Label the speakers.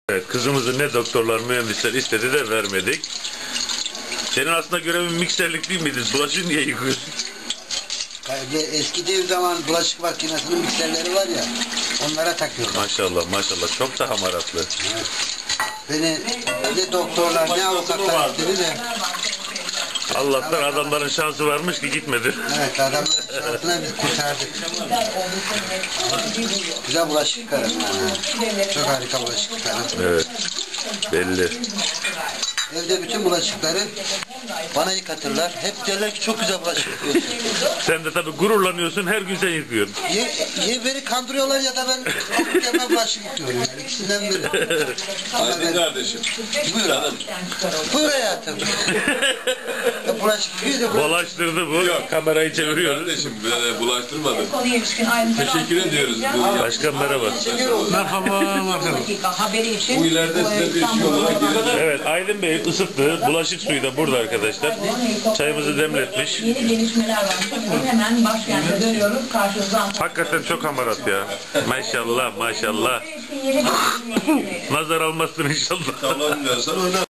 Speaker 1: Evet, kızımızı ne doktorlar, mühendisler istedi de vermedik. Senin aslında görevin mikserlik değil miydi? Bulaşığı niye yıkıyorsun?
Speaker 2: Eski dev zaman bulaşık makinesinin mikserleri var ya, onlara takıyorlar.
Speaker 1: Maşallah maşallah, çok da hamaratlı.
Speaker 2: Evet. Beni ne doktorlar ne avukatlar istedi de.
Speaker 1: Allah'tan adamların şansı varmış ki gitmedi.
Speaker 2: Evet, adamların şansına biz kurtardık. Güzel bulaşık yıkarım yani. Çok harika bulaşık yıkarım.
Speaker 1: Evet, belli.
Speaker 2: Evde bütün bulaşıkları bana yıkatırlar. Hep derler ki çok güzel bulaşık yıkıyorsun.
Speaker 1: Sen de tabii gururlanıyorsun, her gün sen yıkıyorsun.
Speaker 2: Ya beni kandırıyorlar ya da ben kendime bulaşık yıkıyorum. Yani ikisinden biri.
Speaker 3: Hadi kardeşim.
Speaker 2: Buyur hanım. Buyur hayatım. Bulaşık yıkıyor da
Speaker 1: Bulaştırdı bu. Yok. Kamerayı çeviriyoruz.
Speaker 3: Kardeşim böyle bulaştırmadım. Teşekkür ediyoruz.
Speaker 1: Başkan merhaba.
Speaker 4: Merhaba, merhaba.
Speaker 3: Bu ileride size bir şey olarak gelir.
Speaker 1: Evet, Aydın Bey ısıttı. Bulaşık suyu da burada arkadaşlar. Çayımızı demletmiş.
Speaker 5: Yeni gelişmeler var. Hemen başkente dönüyoruz. Karşınızda
Speaker 1: Hakikaten çok hamarat ya. Maşallah maşallah. Nazar almasın inşallah.
Speaker 3: Tamam diyorsan oyna.